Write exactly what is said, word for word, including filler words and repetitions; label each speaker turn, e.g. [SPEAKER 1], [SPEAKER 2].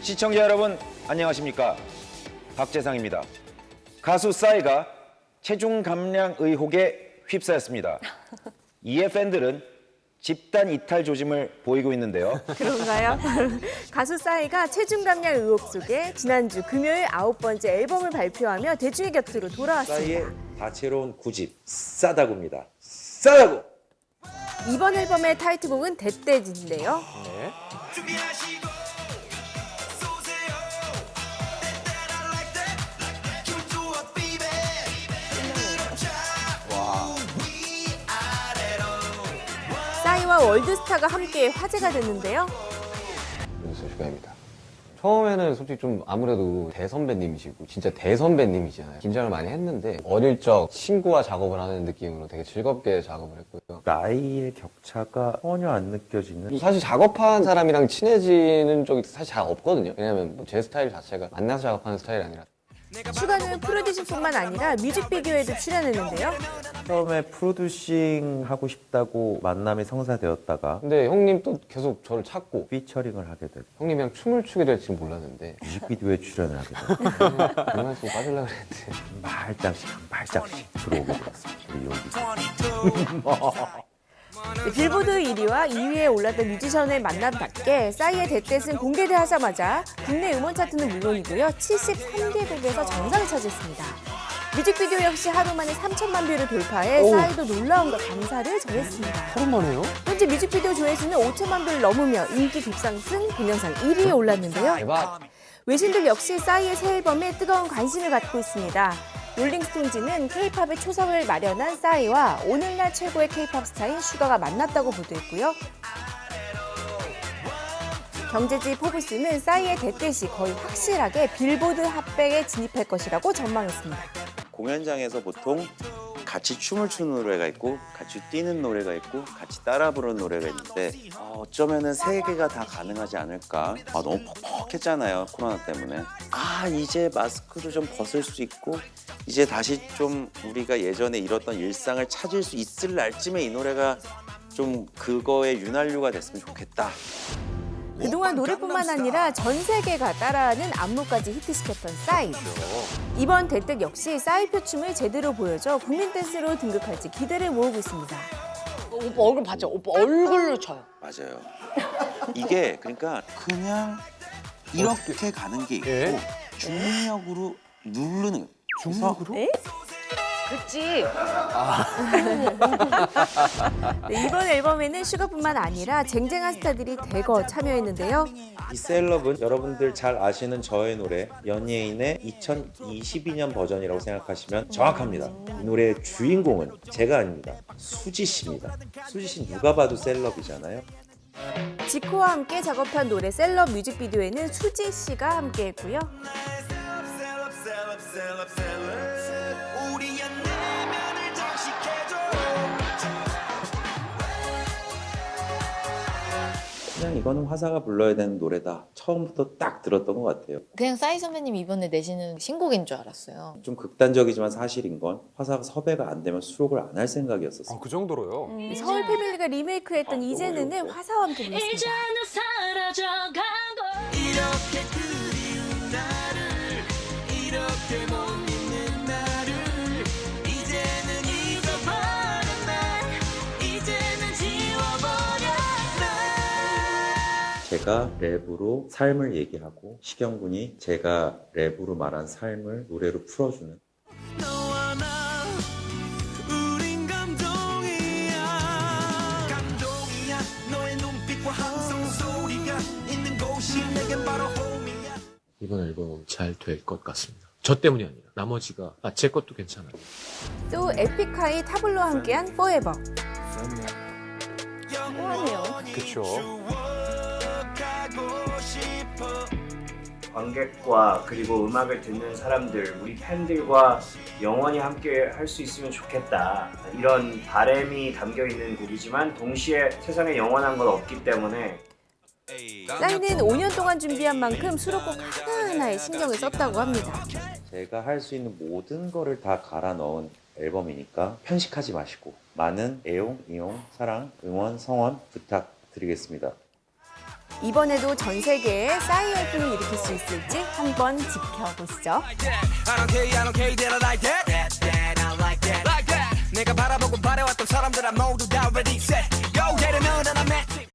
[SPEAKER 1] 시청자 여러분 안녕하십니까? 박재상입니다. 가수 싸이가 체중 감량 의혹에 휩싸였습니다. 이에 팬들은 집단 이탈 조짐을 보이고 있는데요.
[SPEAKER 2] 그런가요? 가수 싸이가 체중 감량 의혹 속에 지난주 금요일 아홉 번째 앨범을 발표하며 대중의 곁으로 돌아왔습니다.
[SPEAKER 1] 싸이의 다채로운 구집 싸다구입니다. 싸다구!
[SPEAKER 2] 이번 앨범의 타이틀곡은 대떼진인데요.
[SPEAKER 1] 네.
[SPEAKER 2] 싸이와 월드스타가 함께 화제가 됐는데요.
[SPEAKER 3] 윤서 슈가입니다. 처음에는 솔직히 좀 아무래도 대선배님이시고 진짜 대선배님이잖아요. 긴장을 많이 했는데 어릴 적 친구와 작업을 하는 느낌으로 되게 즐겁게 작업을 했고요.
[SPEAKER 4] 나이의 격차가 전혀 안 느껴지는.
[SPEAKER 3] 사실 작업한 사람이랑 친해지는 적이 사실 잘 없거든요. 왜냐면 뭐 제 스타일 자체가 만나서 작업하는 스타일이 아니라.
[SPEAKER 2] 슈가는 프로듀싱뿐만 아니라 뮤직비디오에도 출연했는데요.
[SPEAKER 4] 처음에 프로듀싱 하고 싶다고 만남이 성사되었다가
[SPEAKER 3] 근데 형님 또 계속 저를 찾고
[SPEAKER 4] 피처링을 하게 되고
[SPEAKER 3] 형님이랑 춤을 추게 될지 몰랐는데
[SPEAKER 4] 뮤직비디오에 출연을 하게 되고
[SPEAKER 3] 그만 좀 빠지려고 그랬는데
[SPEAKER 4] 한 발짝씩 한 발짝씩 들어오게 되었습니다. 우리 여기.
[SPEAKER 2] 네, 빌보드 일 위와 이 위에 올랐던 뮤지션의 만남답게 싸이의 대댓은 공개되자마자 국내 음원 차트는 물론이고요. 칠십삼 개국에서 정상을 차지했습니다. 뮤직비디오 역시 하루 만에 삼천만 뷰를 돌파해
[SPEAKER 3] 오.
[SPEAKER 2] 싸이도 놀라움과 감사를 전했습니다.
[SPEAKER 3] 하루 만에요?
[SPEAKER 2] 현재 뮤직비디오 조회수는 오천만 뷰를 넘으며 인기 급상승 동영상 일 위에 올랐는데요.
[SPEAKER 3] 대박!
[SPEAKER 2] 외신들 역시 싸이의 새 앨범에 뜨거운 관심을 갖고 있습니다. 롤링스톤즈는 케이팝의 초석을 마련한 싸이와 오늘날 최고의 케이팝 스타인 슈가가 만났다고 보도했고요. 경제지 포브스는 싸이의 대댓이 거의 확실하게 빌보드 핫백에 진입할 것이라고 전망했습니다.
[SPEAKER 5] 공연장에서 보통 같이 춤을 추는 노래가 있고 같이 뛰는 노래가 있고 같이 따라 부르는 노래가 있는데 아, 어쩌면은 세 개가 다 가능하지 않을까. 아, 너무 퍽퍽했잖아요, 코로나 때문에. 아, 이제 마스크도 좀 벗을 수 있고 이제 다시 좀 우리가 예전에 잃었던 일상을 찾을 수 있을 날쯤에 이 노래가 좀 그거의 윤활유가 됐으면 좋겠다.
[SPEAKER 2] 그동안 노래뿐만 아니라 전 세계가 따라하는 안무까지 히트시켰던 싸이. 이번 대뜻 역시 싸이표 춤을 제대로 보여줘 국민 댄스로 등극할지 기대를 모으고 있습니다.
[SPEAKER 6] 오빠 얼굴 봤죠? 오빠 얼굴로 쳐요.
[SPEAKER 5] 맞아요. 이게 그러니까 그냥 이렇게 가는 게 있고 중력으로 누르는. 중력으로?
[SPEAKER 2] 네?
[SPEAKER 6] 그렇지.
[SPEAKER 2] 네, 이번 앨범에는 슈가뿐만 아니라 쟁쟁한 스타들이 대거 참여했는데요.
[SPEAKER 4] 이 셀럽은 여러분들 잘 아시는 저의 노래 연예인의 이천이십이 년 버전이라고 생각하시면 정확합니다. 이 노래의 주인공은 제가 아닙니다. 수지 씨입니다. 수지 씨 누가 봐도 셀럽이잖아요.
[SPEAKER 2] 지코와 함께 작업한 노래 셀럽 뮤직비디오에는 수지 씨가 함께했고요.
[SPEAKER 4] 그냥 이거는 화사가 불러야 되는 노래다. 처음부터 딱 들었던 것 같아요.
[SPEAKER 6] 그냥 싸이 선배님 이번에 내시는 신곡인 줄 알았어요.
[SPEAKER 4] 좀 극단적이지만 사실인 건 화사가 섭외가 안 되면 수록을 안 할 생각이었었어요.
[SPEAKER 7] 아, 그 정도로요?
[SPEAKER 2] 네, 서울 패밀리가 리메이크했던 이제는은 화사와 함께 불렀습니다.
[SPEAKER 8] 이제는 사라져가고 이렇게 그리운 나를 이렇게 못 믿는 나를 이제는 잊어버려 날 이제는 지워버려 날
[SPEAKER 4] 제가 랩으로 삶을 얘기하고 식영군이 제가 랩으로 말한 삶을 노래로 풀어주는.
[SPEAKER 8] 너와 나 우린 감동이야 감동이야 너의 눈빛과 함성 소리가 있는 곳이 내겐 바로 홈이야.
[SPEAKER 9] 이번 앨범 잘 될 것 같습니다. 저 때문이 아니라 나머지가 아, 제 것도 괜찮아요.
[SPEAKER 2] 또 에픽하이 타블로와 함께한 Forever. 호환이요.
[SPEAKER 7] 그쵸.
[SPEAKER 10] 관객과 그리고 음악을 듣는 사람들, 우리 팬들과 영원히 함께 할 수 있으면 좋겠다. 이런 바람이 담겨 있는 곡이지만 동시에 세상에 영원한 건 없기 때문에
[SPEAKER 2] 싸이는 오 년 동안 준비한 만큼 수록곡 하나하나에 신경을 썼다고 합니다.
[SPEAKER 4] 제가 할 수 있는 모든 거를 다 갈아 넣은 앨범이니까 편식하지 마시고 많은 애용, 이용, 사랑, 응원, 성원 부탁드리겠습니다.
[SPEAKER 2] 이번에도 전 세계에 싸이 열풍을 일으킬 수 있을지 한번 지켜보시죠.
[SPEAKER 8] I don't care, I don't care, that I like that. That, that, I like that. Like that. 내가 바라보고 바래왔던 사람들 모두 다 ready set. Go, get another